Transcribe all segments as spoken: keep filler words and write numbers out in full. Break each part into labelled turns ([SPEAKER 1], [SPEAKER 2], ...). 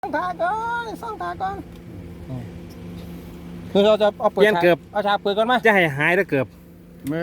[SPEAKER 1] ส่องตาก่อนส่องตาก่อนคือเราจะเอาเปิด
[SPEAKER 2] เปลี่ยนเกือบ
[SPEAKER 1] เอาฉากเปิดก่อนไหม
[SPEAKER 2] จะให้หายแล้วเกือบ
[SPEAKER 3] เม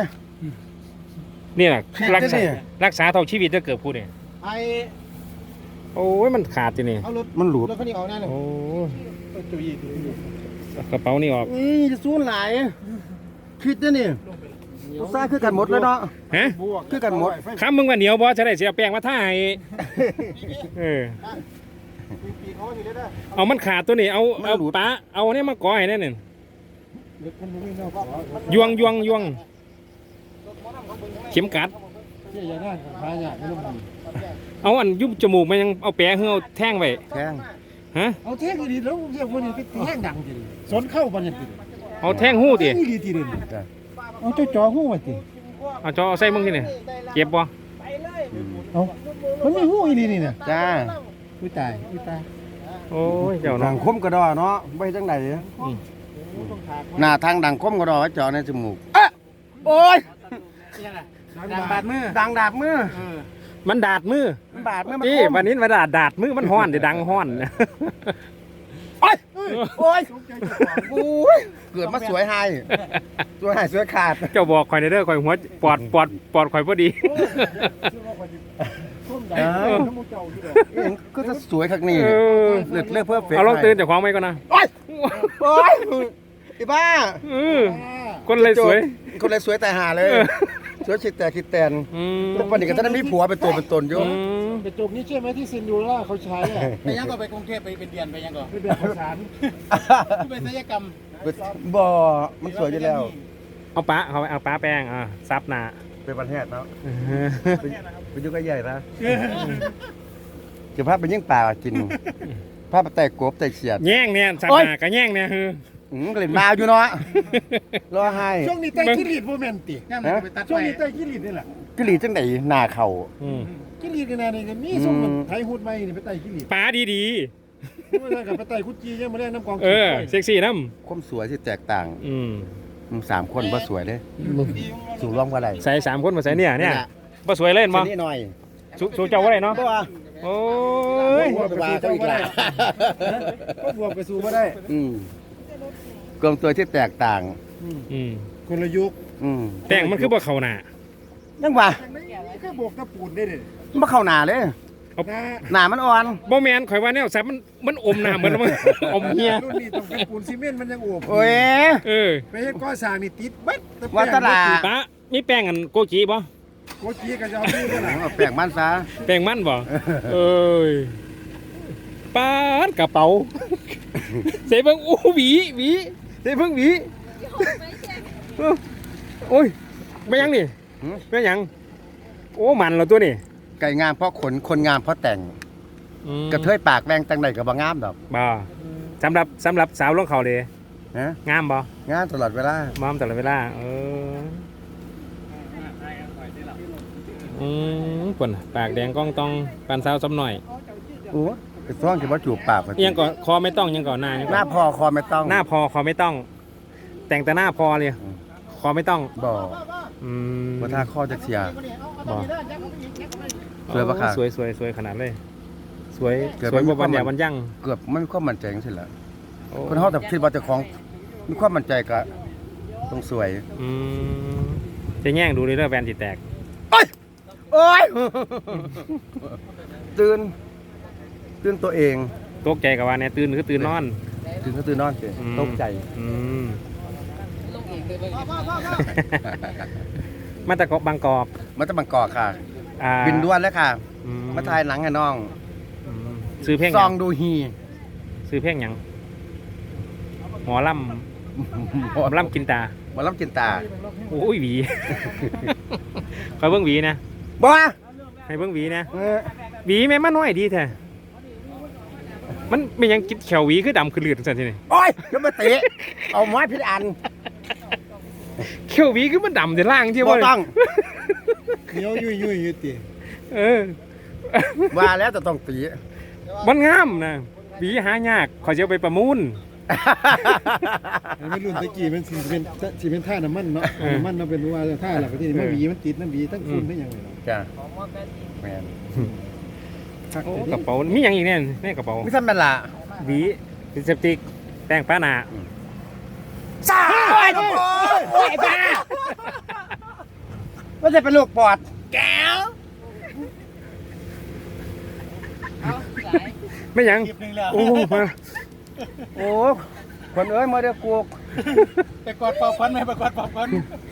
[SPEAKER 2] นี่แหละ
[SPEAKER 3] ผิด
[SPEAKER 2] รักษา
[SPEAKER 3] นะนี่
[SPEAKER 2] รักษาเท่าชีวิตจะเกือบพูดเนี่ย
[SPEAKER 1] ไอ
[SPEAKER 2] โอ้ยมันขาดจีนี่
[SPEAKER 1] เอารถ
[SPEAKER 3] มันหลุด
[SPEAKER 1] รถคันนี้ออกแน่เลย
[SPEAKER 2] โอ้
[SPEAKER 1] จุย
[SPEAKER 2] กระเป๋านี่ออก
[SPEAKER 3] นี่จะซูนหลายคิดนะนี่อุตส่าห์คือกันหมดแล้วเนาะ
[SPEAKER 2] ฮะ
[SPEAKER 1] บวก
[SPEAKER 3] คือกันหมด
[SPEAKER 2] คำมึงว่าเหนียวบอจะได้เสียแป้งมาท่าให้เออ
[SPEAKER 1] ปีเขาอยู่ได้ได้
[SPEAKER 2] เอามันขาดตัวนี้เอาเอาปะเอาเนี่ยมาก่อให้แน่นี่
[SPEAKER 1] รถคันนี้เนาะ
[SPEAKER 2] ยวงยวงยวงเข็มกัด
[SPEAKER 1] เจ๊ยาได้พายากไม่ต้องดี
[SPEAKER 2] เอาอันยุบจมูกมันยังเอาแปะเฮือเอาแท่งไว้
[SPEAKER 3] แข้ง
[SPEAKER 2] ฮะ
[SPEAKER 1] เอาเท่งดีแล้วเรียกว่านี่ไปแท่งดังจริงสนเข้าปัญญาติ
[SPEAKER 2] เอาแท่งหู้ติ
[SPEAKER 1] นี่ดีทีเด่นเอาเจ้าจ่อหู้มาติ
[SPEAKER 2] เอาจอเอาใส่มึงที่นี่เก็บบ่
[SPEAKER 1] เอามันมีหู้อีนี่นี่นะ
[SPEAKER 3] จ้า
[SPEAKER 1] อุ้ยตายอุ้ยตาย
[SPEAKER 2] โอ้ยเจ้า
[SPEAKER 3] ดั
[SPEAKER 2] น้อง
[SPEAKER 3] งคมกระดอเนาะไปจังไหนหน้าทางดังคมกระดอไว้เจาะในจมูกเอ๊ะโอ้ย
[SPEAKER 1] ดังบาดมือ
[SPEAKER 3] ดังดาบมือ
[SPEAKER 2] มันดาดมือ
[SPEAKER 3] มันบาดมือมัน
[SPEAKER 2] นี่
[SPEAKER 3] คม
[SPEAKER 2] วันนี้มาดาดดาดมือมันห้อนเดี๋ยวดังห้อน
[SPEAKER 3] โอ้ยโอ้ยโอ้ยเกิดมาสวยไฮสวยไฮสวยขาด
[SPEAKER 2] เจ้าบอกข่อยในเด้อข่อยหัวปอดปอดปอดข่อยพอดี
[SPEAKER 3] เออก็จะสวยคักนี่
[SPEAKER 2] เออ
[SPEAKER 3] เลือดเลือดเพื่อเฟก
[SPEAKER 2] เอาลองตื่นจากของไว้ก่อนนะ
[SPEAKER 3] โอ้ยโอ้ยไอ้บ้า
[SPEAKER 2] เออคนเลยสวย
[SPEAKER 3] คนเลยสวยแต่หาเลย สวยคิดแต่คิดแตน
[SPEAKER 2] อืม
[SPEAKER 3] ทุกวันนี้ก็ท่านมีผัวเป็นตัวเป็นตนอยู่
[SPEAKER 2] อืม
[SPEAKER 1] เป็นจุกนี้ใช่ไหมที่ซินดูล่าเขาใช้อะ
[SPEAKER 4] ไปยังก็ไปกรุงเทพไปเป็นเดือนไปยังก็
[SPEAKER 1] เป็นแบบภาษา
[SPEAKER 4] ไปศัลยกรรม
[SPEAKER 3] บ่มันสวยอยู่แล้ว
[SPEAKER 2] เอาปะเขาเอาปะแป้งอ่ะซับหนา
[SPEAKER 3] เป็นประเทศเนาะเป็นเป็นยุคใหญ่นะจะพาไปยิ่งป่ากินพาไปแต่กบแต่เขียด
[SPEAKER 2] แย่งเนี่ยซับหนากับแย่งเนี่ยคือ
[SPEAKER 3] อืมก็เลยมาอยู่เนาะรอให้
[SPEAKER 1] ช่วงนี้ไต้กิริดโมเมนติ
[SPEAKER 4] ย่ามมันไปตัด
[SPEAKER 1] ช่วง
[SPEAKER 4] ไป
[SPEAKER 1] นี้ไต้กิริดนี่แหละ
[SPEAKER 3] กิลีจังไดหน้าเข่า
[SPEAKER 2] อืม
[SPEAKER 1] กิริดกันแน่นี่กันนี่ส่งมันไทยฮูดไม่นี่ไปไต้กิริด
[SPEAKER 2] ปะดี
[SPEAKER 1] ไม่ได้กับไปไต้คุดจียังมาได้น้ำกอง
[SPEAKER 2] ๆเออเซ็กซี่น้
[SPEAKER 3] ความสวยที่แตกต่าง
[SPEAKER 2] ำอืม
[SPEAKER 3] มึงสามคนว่าสวยเด้สูงร่วมกันอะไร
[SPEAKER 2] ใส่สามคนมาใส่เนี่ยเนี่ยบ่สวยเล่นบ่
[SPEAKER 3] นี่หน่อย
[SPEAKER 2] สูสูเจ้าว่าไรเนาะ
[SPEAKER 3] ตัว
[SPEAKER 2] โอ้ย
[SPEAKER 3] บวกไปสู้อีกละ
[SPEAKER 1] ก็บวกไปสู้มาได้
[SPEAKER 3] อืมกลมตัวที่แตกต่าง
[SPEAKER 2] อืม
[SPEAKER 1] คนละยุค
[SPEAKER 3] อืม
[SPEAKER 2] แต่งมันคือบ่เข้าหน้า
[SPEAKER 3] ยังว่า
[SPEAKER 1] แค่บวกตะปูนได้เลย
[SPEAKER 3] มาเข้าหน้าเลย
[SPEAKER 1] นะ
[SPEAKER 3] หน้ามันอ่อน
[SPEAKER 2] บ่แม่นข่อยว่าแนวซับมันมันอมหน้าเหมือนมัน อมเฮีย
[SPEAKER 1] รุ่นนี้ต้องเป็นปูนซีเมนต์มันยังอวบ
[SPEAKER 3] โอ้ย
[SPEAKER 2] เออ
[SPEAKER 1] ไปเฮ็ดก่อสร้างนี่ติดเบัด
[SPEAKER 3] ว่าตลาด
[SPEAKER 2] ปะมีแป้งอันโกจิบ่
[SPEAKER 1] โคจีก็จะเอาดูกันล่ะ
[SPEAKER 3] เอาแปลงมันซะ
[SPEAKER 2] แป้งมันบ่เอ้ยปานกระเป๋าใส่เบิ่งโอ้หวีหวีใส่เบิ่งหวีโอ้ยไม่ยังนี่ไม่ยังโอ้มันเหรอตัวนี่
[SPEAKER 3] ไก่งามเพราะขนคนงามเพราะแต่ง
[SPEAKER 2] อืม
[SPEAKER 3] กระเทยปากแวงตังใดก็บ่งามดอก
[SPEAKER 2] บ่สำหรับสำหรับสาวลงเขาเลย
[SPEAKER 3] นะ
[SPEAKER 2] งามบ่
[SPEAKER 3] งามตลอดเวลาม
[SPEAKER 2] อมตลอดเวลาเอออืมปนปากแดงก้องตองปานสาวซ้ำหน่อย
[SPEAKER 3] โอ้ไอ้ท้องสิบ่จูบปากว่า
[SPEAKER 2] ยังก่อนคอไม่ต้องยังก่อนหน้ายัง
[SPEAKER 3] ห
[SPEAKER 2] ก่
[SPEAKER 3] น้า
[SPEAKER 2] อน
[SPEAKER 3] พอคอไม่ต้อง
[SPEAKER 2] หน้าพอคอไม่ต้อง แต่งแต่หน้าพอเลยคอไม่ต้อง
[SPEAKER 3] บ่
[SPEAKER 2] อืม
[SPEAKER 3] บ่ท่าคอจักเสีย
[SPEAKER 2] บ่
[SPEAKER 3] สวยปะคะ
[SPEAKER 2] สวยสวยสวยขนาดเลย สวย
[SPEAKER 3] เกิด
[SPEAKER 2] สวย
[SPEAKER 3] ไม่
[SPEAKER 2] บ่
[SPEAKER 3] มี
[SPEAKER 2] วัน
[SPEAKER 3] ความ
[SPEAKER 2] เดียววันยั่ง
[SPEAKER 3] เกือบไม่มีความมั่นใจจังซี่แหละ
[SPEAKER 2] โอ้
[SPEAKER 3] คนเฮาแต่คิดว่าเจ้าของมีความมั่นใจก็ต้องสวย
[SPEAKER 2] อืมจะแย่งดูเลยเรื่องแวนจิตแตก
[SPEAKER 3] โอ้ยโอ้ยตื่นตื่นตัวเอง
[SPEAKER 2] ตกใจกับว่าเนี่ยตื่นคือตื่นนอน
[SPEAKER 3] ตื่นก็ตื่นนอนสิ
[SPEAKER 2] อืม
[SPEAKER 3] ตกใจ
[SPEAKER 2] อืม มาตะกบางกอก
[SPEAKER 3] มาตะบังกอกค่ะ
[SPEAKER 2] อ่า
[SPEAKER 3] บินด่วนแล้วค่ะ
[SPEAKER 2] อื
[SPEAKER 3] มาถ่ายหนังให้น้อง
[SPEAKER 2] อืมซื้อเพลงห
[SPEAKER 3] ซ
[SPEAKER 2] ยั
[SPEAKER 3] อง งดูฮี
[SPEAKER 2] ซื้อเพลงหยังหมอลำหมอลำกินตา
[SPEAKER 3] หมาล้ำจินตา
[SPEAKER 2] โอ้ยหวี คอยเบิ้งหวีนะ
[SPEAKER 3] บ่
[SPEAKER 2] ให้เบิ้งหวีนะ
[SPEAKER 3] เออ
[SPEAKER 2] หวีแม่มันน้อยดีแท้มันไม่ยังกินแขวหวีคือดำคือเลือดสันทีนี่
[SPEAKER 3] โอ้ยอย่ามาเตะเอาไม้พิษอัน
[SPEAKER 2] แขวหวีคือมันดำแต่ล่างที่
[SPEAKER 3] บ่
[SPEAKER 2] ว่า
[SPEAKER 3] ต้อง
[SPEAKER 1] เหนียวยุ่ยยุ่ยยุ่ยติ
[SPEAKER 2] เออ
[SPEAKER 3] ว่าแล้วจะต้องตี
[SPEAKER 2] มันงามนะหวีหายากขอจะเอาไปประมูล
[SPEAKER 1] ไม่รุ่นตะกี้มันสิเป็นสิเป็นท่าน้ำมันเนาะน้ำมันเนาะเป็นว่าท่าหลักที่นี่มันหวีมันติดน้ำหวีทั้งคุณได้ยังไงเนาะ
[SPEAKER 3] จ้ะแมน
[SPEAKER 1] คัก
[SPEAKER 2] โอ้
[SPEAKER 1] แต่
[SPEAKER 2] กระเป๋ามีอย่างอีกเนี่ยในกระเป๋า
[SPEAKER 3] ไม่ทำเป็นละ
[SPEAKER 2] หวีลิปสติกแป้งป้าหนา
[SPEAKER 3] สาโอ้ยโอ้ยบ้าว่าจะเป็นลูกปอดแก้ว
[SPEAKER 2] ไม่หยัง
[SPEAKER 4] คลิปหนึงแล้ว
[SPEAKER 2] โอ้มา
[SPEAKER 3] โอ้คนเอ้ยมาเดี๋ยวกู
[SPEAKER 4] ไปกอดปอบควันไหมไปกอดปอบควัน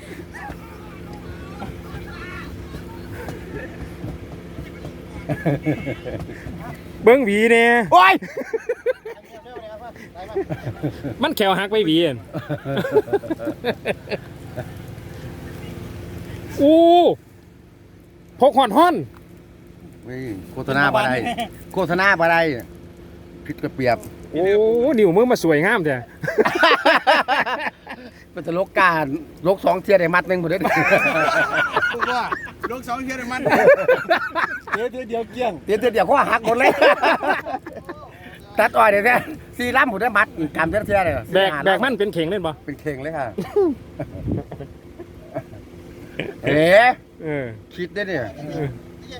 [SPEAKER 2] เบิ้งหวีเนี่ย
[SPEAKER 3] โอ้ย
[SPEAKER 2] มันแขวหักไปหวีอั่นอู้พกหอนห่อน
[SPEAKER 3] นี่โฆษณาบ่ได้โฆษณาบ่ได้ผิดกระเปียบ
[SPEAKER 2] โอ้นิ้วมือมาสวยงามจ้ะ
[SPEAKER 3] เป็นตลกการลกสองเทียได้มัดหนึ่งหมดเลย
[SPEAKER 4] พูดว่าลูกสองเชียร์มัน
[SPEAKER 1] เดี๋ยวเดี๋ยวเดี๋ยวเกี้ยง
[SPEAKER 3] เดี๋ยวเดี๋ยวเขาหักหมดเลย ตัดอ้อยเดี๋ยวนี้ซีร่ำหมดได้มัดกำเทียเทียเลย
[SPEAKER 2] แบกแบกมันเป็นเข่งเล่นปะ
[SPEAKER 3] เป็นเข่งเลยค่ะ เอ๋
[SPEAKER 2] เออ
[SPEAKER 3] คิดได้เนี่ย
[SPEAKER 2] เออ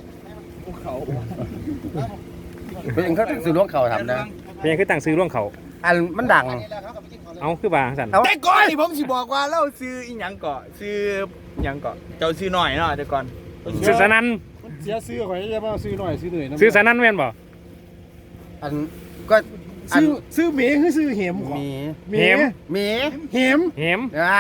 [SPEAKER 3] เป็นเขาสื่อล้วงเข่าทำนะ
[SPEAKER 2] เพลงคือตั้งซื้อร่วงเขา
[SPEAKER 3] อันมันดัง
[SPEAKER 2] เอาคือบางสัน
[SPEAKER 3] เอา
[SPEAKER 5] แต่ก่อนนี่ผมสิบอกว่าเราซื้ออีหยังเกาะซื้อหยังเกาะเจ้าซื้อหน่อยเนาะแต่ก่อน
[SPEAKER 2] ซื้อสนัน
[SPEAKER 1] เสียซื้อข่อยจะมาซื้อหน่อยซื้อเหนื่อยนะ
[SPEAKER 2] ซื้อสนันแม่นบ่
[SPEAKER 3] อันก็อัน
[SPEAKER 1] ซื้อซื้อหมีคือซื้อเหม
[SPEAKER 3] หมี
[SPEAKER 1] หมี
[SPEAKER 2] เหม
[SPEAKER 3] หมี
[SPEAKER 1] เหม
[SPEAKER 2] เหม
[SPEAKER 3] ไอ้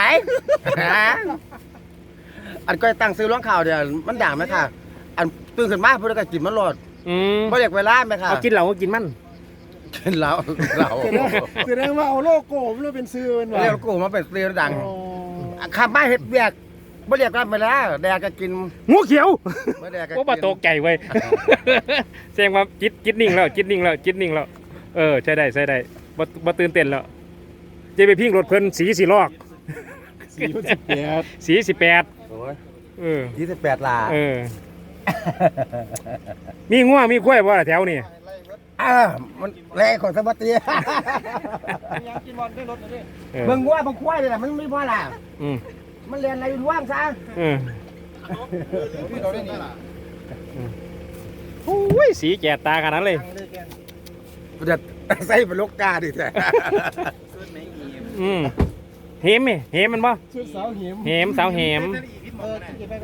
[SPEAKER 3] อันก็ตั้งซื้อล้วงเข่าเดี๋ยวมันดังไหมค่ะ อันตื่นขึ้นมาเพื่อจะกินมันโหลด
[SPEAKER 2] อืม
[SPEAKER 3] ไม่เรียกเวลาไหมค่ะ
[SPEAKER 2] เอากินเหล้าก็กินมัน
[SPEAKER 3] กินเหล้าเหล้า
[SPEAKER 1] แสดงแสดงว่าเอาโลโก้มันเป็นซื้อมันว่ะ
[SPEAKER 3] เรียกกูมาเป็นเรียดัง
[SPEAKER 1] อ๋อ
[SPEAKER 3] ข้ามาเฮ็ดเบียกไม่เรียกกันไปแล้วแดกก็กิน
[SPEAKER 2] งูเขียว
[SPEAKER 3] ไม่แดกก็
[SPEAKER 2] โอ้บาตกใจเว้ย แสดงว่าจิตจิตนิ่งแล้วจิตนิ่งแล้วจิตนิ่งแล้วเออใช่ได้ใช่ได้บ่บ่ตื่นเต้นแล้วจะไปพิงรถเพิ่นสีสีลอก
[SPEAKER 1] สี่พันสิบแปด
[SPEAKER 2] สีสิบแปด
[SPEAKER 3] โอ้ย
[SPEAKER 2] เออ
[SPEAKER 3] ยี่สิบแปดลา
[SPEAKER 2] เออ มีงัวมีกล้วยบ่ล่ะแถวนี่
[SPEAKER 3] อ่ามันแรงของสมัติ
[SPEAKER 2] เออ
[SPEAKER 3] เบิ่งว่าบางควายเลยนะมันไม่พอละ
[SPEAKER 2] อืม
[SPEAKER 3] มันเรียนอะไรร่วงซะ
[SPEAKER 2] เออ
[SPEAKER 4] พี่เราได้นี่
[SPEAKER 2] โอ้ยสีแก่ตาขนาดนั้นเลย
[SPEAKER 3] เด็ดใส่เป็นลูกกาดิแท้
[SPEAKER 2] อืมเหมไหมเหมมันบ่
[SPEAKER 1] ซื้อสาวเหม
[SPEAKER 2] เหมสาวเหม
[SPEAKER 4] เออที่ไป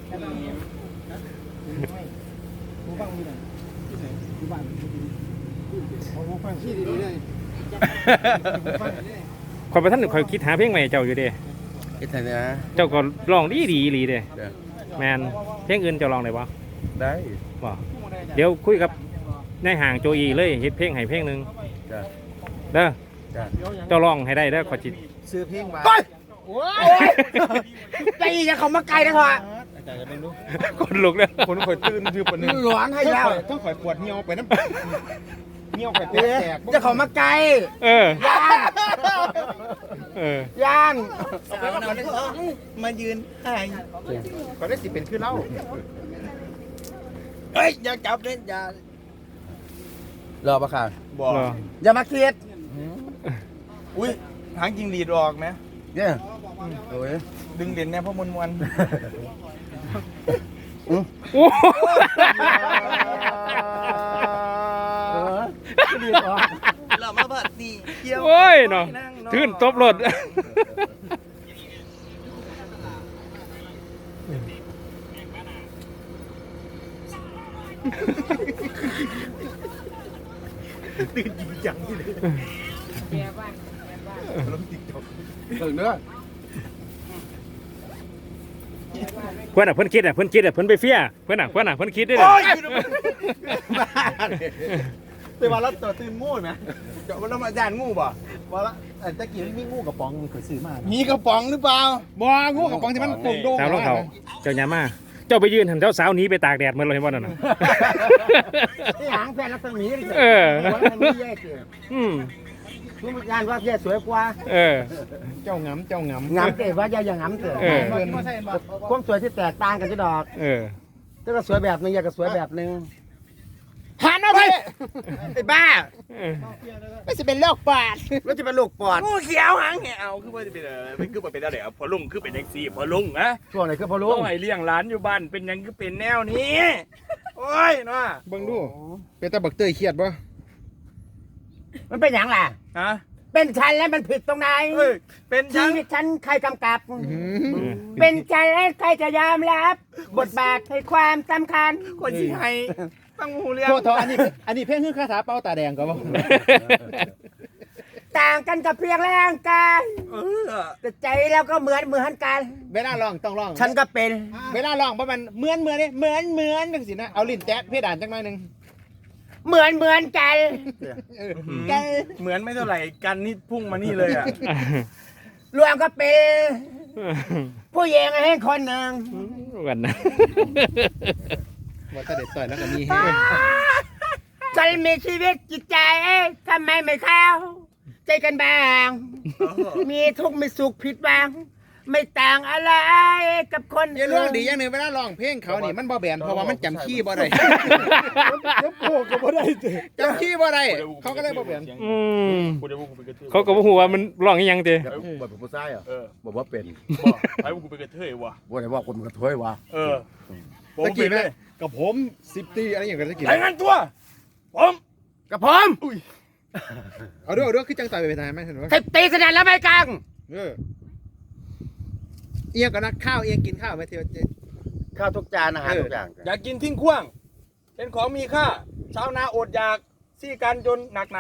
[SPEAKER 4] หูฟังมีไหนที่ไหนหูฟังเอาหูฟังที่ดีเลย
[SPEAKER 2] คอยไปท่านคอยคิดหาเพลงใหม่เจ้าอยู่เด้
[SPEAKER 3] คิดไงนะ
[SPEAKER 2] เจ้าก็ร้องดีดีดีเด้
[SPEAKER 3] เดี๋ยว
[SPEAKER 2] แมนเพลงอื่นเจ้าร้องได้บ่
[SPEAKER 3] ได้
[SPEAKER 2] บ่เดี๋ยวคุยกับนายห่างโจอีเลยเฮ็ดเพลงให้เพลงหนึง
[SPEAKER 3] จ้ะ
[SPEAKER 2] เด้อ
[SPEAKER 3] จ้ะ
[SPEAKER 2] เจ้าร้องให้ได้เด้อขอจิต
[SPEAKER 4] ซื้อเพลงมา
[SPEAKER 3] โอ้ยโอ้ยใจอย่าเข้ามาไกลนะพ่อ
[SPEAKER 4] อาจารย์จะเป็นรู้
[SPEAKER 2] คนลุกเด้อ
[SPEAKER 5] คนข่อยตื่นคือปนนึง
[SPEAKER 3] หลอนให้แล้ว
[SPEAKER 4] ต้องข่อยปวดเหี่ยวไปน้ำเหี่ยวไปแต
[SPEAKER 3] เอ๊ะ
[SPEAKER 4] ก
[SPEAKER 3] จะเข้ามาไกล
[SPEAKER 2] เออย่
[SPEAKER 3] าน
[SPEAKER 2] เออย่
[SPEAKER 3] าน
[SPEAKER 5] มายืนให้
[SPEAKER 4] ก็ได้สิเป็นคือเล่า
[SPEAKER 5] เฮ้ยอย่าจับเล่นอย่าร
[SPEAKER 3] อปะค่ะ
[SPEAKER 5] บอก
[SPEAKER 2] เหรอ
[SPEAKER 3] อย่ามาเครียด
[SPEAKER 5] อุ้ยหางจิงหรีดออกไหม
[SPEAKER 3] เนี่ยโอ้ย
[SPEAKER 5] ดึงเด่นแน่เพราะมวลมวล
[SPEAKER 2] โอ้
[SPEAKER 5] เรามาบัดดีเกี่ยว
[SPEAKER 2] โอ้ยเนาะทื่นตบรถ
[SPEAKER 3] ถึงเนื้อ
[SPEAKER 2] เพื่อนอ่ะเพื่อนคิดอ่ะเพื่อนคิดอ่ะเพื่อนไปเฟี้ยเพื่อนอ่ะเพื่อนอ่ะเพื่อนคิดได้เลย
[SPEAKER 4] แต่ว่าเราตัวตื่นงูไหม
[SPEAKER 5] เจ้าเรามาย่านงูบ่
[SPEAKER 4] ว่าละแต่ตะกี้มีงูกระป๋องมันเคยซื้อมา
[SPEAKER 5] มีกระป๋องหรือเปล่า
[SPEAKER 4] บ่งูกระป๋องที่มันโด่งๆ
[SPEAKER 2] สาวรองเขาเจ้าหยามาเจ้าไปยืนหันเจ้าสาวหนีไปตากแดดเหมือนเราเห็นบ่นั่นน่ะ
[SPEAKER 3] ที่หางแฟนรักษมีนี่
[SPEAKER 2] เออ
[SPEAKER 3] มันไม่แย่เกิน
[SPEAKER 2] อืม
[SPEAKER 3] ทุกงานว่าเพียสวยกว่า
[SPEAKER 2] เออ
[SPEAKER 4] เจ้างำเจ้างำ
[SPEAKER 3] งามเตะว่าอย่าอย่างงามเตะ
[SPEAKER 2] เออ
[SPEAKER 3] ความสวยที่แตกต่างกันจะดอก
[SPEAKER 2] เออ
[SPEAKER 3] แต่ก็สวยแบบนึงอยากก็สวยแบบนึงหันเอาไป
[SPEAKER 5] ไอ้บ้า
[SPEAKER 2] เออ
[SPEAKER 3] ไม่สิเป็นโรคปอดไม่จะเป็นโรคปอด
[SPEAKER 5] งูเขียวหางเหี่ยวคือว่าจะเป็นอะไรเป็นคือว่าเป็นอะไรอ่ะพอลุงคือเป็นแท็กซี่พอลุงนะ
[SPEAKER 3] ช่วงไหนคือพอรู้
[SPEAKER 5] ต้องให้เลี้ยงหลานอยู่บ้านเป็นหยังคือเป็นแนวนี้โอ้ยเนาะ
[SPEAKER 1] เบิ่งดูเป็นตาบักเตยเครียดบ่
[SPEAKER 3] มันเป็นอย่างไร
[SPEAKER 5] ฮะ
[SPEAKER 3] เป็นฉันแล้วมันผิดตรงไหน
[SPEAKER 5] เอ้ยเป็น
[SPEAKER 3] ชี
[SPEAKER 5] ฉัน
[SPEAKER 3] วิตฉันใครกำกับ เป็นฉันแล้วใครจะยอมรับ บทบาทให้ความสำคัญ
[SPEAKER 5] คนที่ให้ตั้งหูเลี้ยง
[SPEAKER 1] โทษโทษอันนี้อันนี้เพลงคือคาถาเป้าตาแดงก็บ่
[SPEAKER 3] ต่างกันกับเพียงร่างกาย
[SPEAKER 5] เออ
[SPEAKER 3] แต่ใจเราก็เหมือนเหมือนกัน
[SPEAKER 1] เวลาร้องต้องร้อง
[SPEAKER 3] ฉันก็เป็น
[SPEAKER 1] เวลาร้องบ่มันเหมือนเหมือนนี่เหมือนเหมือนจังซี่นะเอาลิ้นแตะเพดานจังหน่อยหนึง
[SPEAKER 3] เหมือนเหมือนกัน กัน
[SPEAKER 5] เหมือนไม่เท่าไหร่กันนี่พุ่งมานี่เลยอ่ะ
[SPEAKER 3] รวมก็เป็นผู้หญิงให้คนหนึ่ง
[SPEAKER 2] กันนะ
[SPEAKER 1] ว่าแต่เด็ดต่อยแล้วก็มี
[SPEAKER 3] ฉันมีชีวิตจิตใจทำไมไม่เข้าใจกันบ้าง มีทุกข์มีสุขผิดหวังไม่ต่างอะไรกับคน
[SPEAKER 1] อย่าร้องดีอย่างหนึงเวลาร้องเพลงเขานี่มันบ่แบนเพราะว่ามันจำคีย์บ่ได้
[SPEAKER 4] แล้วโผล่ก็บ่ได้เจ้
[SPEAKER 1] จำคีย์บ่ได้เขาก็เลยบ่แบน
[SPEAKER 2] อืม
[SPEAKER 5] กูจะพูดกูเป็นกระเทย
[SPEAKER 2] เขาก็บ่ฮู้ว่ามันร้องอีหยังติ
[SPEAKER 3] บอกเป็นผู้ชายอ่ะ
[SPEAKER 5] เออ
[SPEAKER 3] บอกว่าเป็น
[SPEAKER 5] บอกให้กูเป็นกระเทยวะ
[SPEAKER 3] บอกได้ว่าคนมันกระเทยวะ
[SPEAKER 5] เออผม
[SPEAKER 1] ตะ
[SPEAKER 5] เป็
[SPEAKER 1] กี้
[SPEAKER 5] นเล
[SPEAKER 1] แม่
[SPEAKER 5] ย
[SPEAKER 1] กับผมสิบตีอะไรอย่างเงี้ยตะกี้
[SPEAKER 5] รายงานตัว ผม
[SPEAKER 3] กับผม
[SPEAKER 1] เอาด้วยเอาด้วยคือจังต่อยไปเป็นทหารไหมเห็นบ่
[SPEAKER 3] สิบตีสนานแล้วไม่กัง
[SPEAKER 1] เออเอียงก็นักข้าวเอียงกินข้าวไหมเที่ยวเจ๊
[SPEAKER 3] ข้าวทุกจานอาหารทุกอย่าง
[SPEAKER 5] อยากกินทิ้งขว้าง เป็นของมีค่า ชาวนาอดอยากซี่กันจนหนักหนา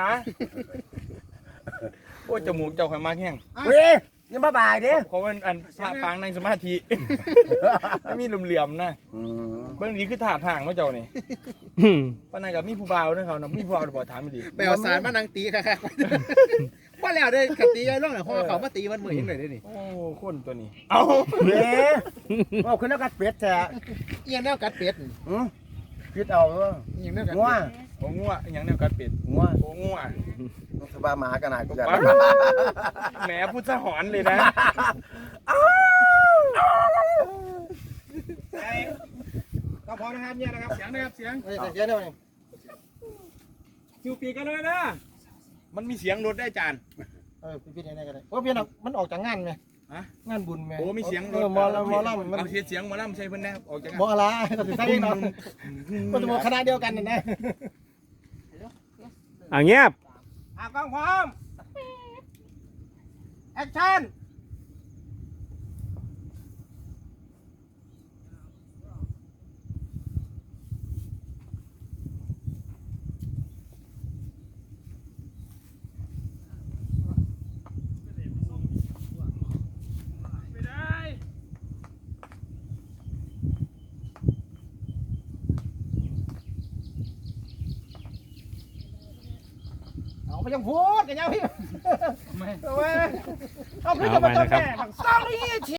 [SPEAKER 5] โอ้ยจมูกเจ้าข่อยมากแห้ง
[SPEAKER 3] เฮ้ยยังบ้าบ่ายเด้
[SPEAKER 5] เพราะมันอันพระปางในสมาธิ ไม่มีเหลี่ยมๆนะ
[SPEAKER 3] อืม
[SPEAKER 5] เบื้องนี้คือถาดห่างว่าเจ้านี่
[SPEAKER 2] อืม
[SPEAKER 5] ป้านายกับมีผู้บ่าวด้วยเขานะมีผู้บ่าวเดี๋ยวบอกถามไม่ดี
[SPEAKER 1] ไปเอาสารมานังตีค่ะค่ะว่าแล้วได้ขับตีไอ้ร่องหน่อยเพราะว่าเขามาตีมันมือยังไงได้นี่
[SPEAKER 5] โอ้คนตัวนี้ เอา
[SPEAKER 3] เด้เอาขึ้นแล้วกัดเป็ดแท้
[SPEAKER 1] เอียงแนวกัดเป็ด
[SPEAKER 3] อืมคิดเอาเออ
[SPEAKER 1] เอียงแนวกัด
[SPEAKER 3] งัว
[SPEAKER 1] เป็ด
[SPEAKER 5] โอ้งัวอหย่างแนวกัดเป็ด
[SPEAKER 3] งัว
[SPEAKER 5] โอ้งัว
[SPEAKER 3] สบายมาหากันหน่อยกูจะ
[SPEAKER 5] แหมพูดสะหอนเลยนะ
[SPEAKER 4] ก็พอนะครับเนี่ยนะครับเสียงนะครับเสียง
[SPEAKER 3] เฮ้ยเดี๋ยวเดี๋ยว
[SPEAKER 4] ซิวปีกันเลยนะ
[SPEAKER 5] มันมีเสียงรถได้จาน
[SPEAKER 4] เออพี่ๆไหนๆกันเลยเพราะพี่น่ะมันออกจากงานไหม
[SPEAKER 5] ฮะ
[SPEAKER 4] งานบุญไหม
[SPEAKER 5] โอ้มีเสียงร
[SPEAKER 4] เอ
[SPEAKER 5] ถ
[SPEAKER 4] อหมอลำหมอลำมัน
[SPEAKER 5] เอาเสียงหมอลำใช่เพิ่นแน่ออกจาก
[SPEAKER 4] หมออะไรก็ถึงใช่เนาะมันจะบอกคณะเดียวกันนะนะ
[SPEAKER 2] อ่ะเงียบ
[SPEAKER 4] อ่ะกล้องพร้อมแอคชั่นเอาไปยังพูดกันยังพี่ไม่เอาขึ้นจะมาต้นแม่สองนี่